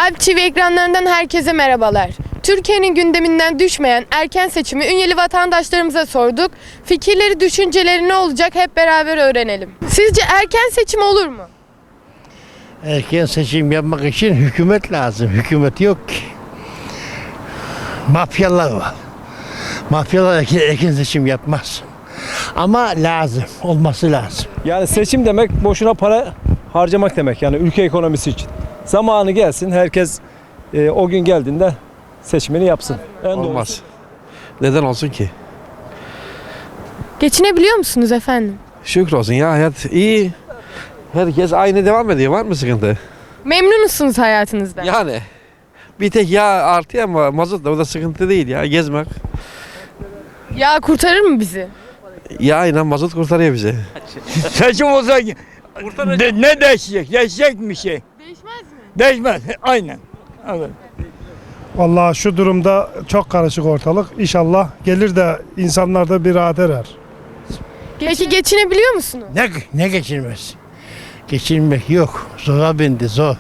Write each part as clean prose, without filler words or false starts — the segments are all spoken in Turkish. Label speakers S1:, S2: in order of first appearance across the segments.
S1: Alp TV ekranlarından herkese merhabalar. Türkiye'nin gündeminden düşmeyen erken seçimi Ünyeli vatandaşlarımıza sorduk. Fikirleri, düşünceleri ne olacak hep beraber öğrenelim. Sizce erken seçim olur mu?
S2: Erken seçim yapmak için hükümet lazım. Hükümet yok ki. Mafyalar var. Mafyalar erken seçim yapmaz. Ama lazım. Olması lazım.
S3: Yani seçim demek boşuna para harcamak demek, yani ülke ekonomisi için. Zamanı gelsin, herkes o gün geldiğinde seçimini yapsın.
S4: Olmaz. Neden olsun ki?
S1: Geçinebiliyor musunuz efendim?
S4: Şükür olsun ya, hayat iyi. Herkes aynı devam ediyor. Var mı sıkıntı?
S1: Memnun musunuz hayatınızdan?
S4: Yani bir tek yağ artıyor ama mazot da, o da sıkıntı değil ya, gezmek.
S1: Ya kurtarır mı bizi?
S4: Yağ ile mazot kurtarıyor bizi.
S5: Seçim olsa ne değişecek? Değişecek mi şey?
S1: Değişmez mi?
S5: Değişmez. Aynen. Evet.
S6: Vallahi şu durumda çok karışık ortalık. İnşallah gelir de insanlar da bir rahat erer.
S1: Peki geçinebiliyor musunuz?
S2: Ne geçilmez? Geçilmek yok. Zora bindi zor.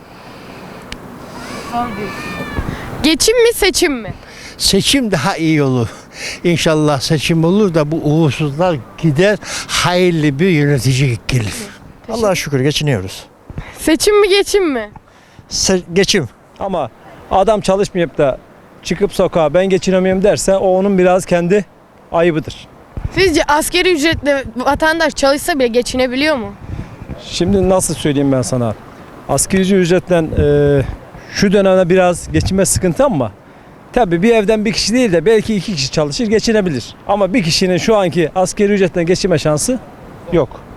S1: Geçim mi seçim mi?
S2: Seçim daha iyi olur. İnşallah seçim olur da bu uğursuzlar gider. Hayırlı bir yönetici gelir.
S7: Allah'a şükür geçiniyoruz.
S1: Seçim mi geçim mi?
S7: Geçim.
S3: Ama adam çalışmayıp da çıkıp sokağa ben geçinemiyorum derse o onun biraz kendi ayıbıdır.
S1: Sizce asgari ücretle vatandaş çalışsa bile geçinebiliyor mu?
S3: Şimdi nasıl söyleyeyim ben sana? Asgari ücretle şu dönemde biraz geçinme sıkıntı ama tabii bir evden bir kişi değil de belki iki kişi çalışır geçinebilir. Ama bir kişinin şu anki asgari ücretten geçinme şansı yok.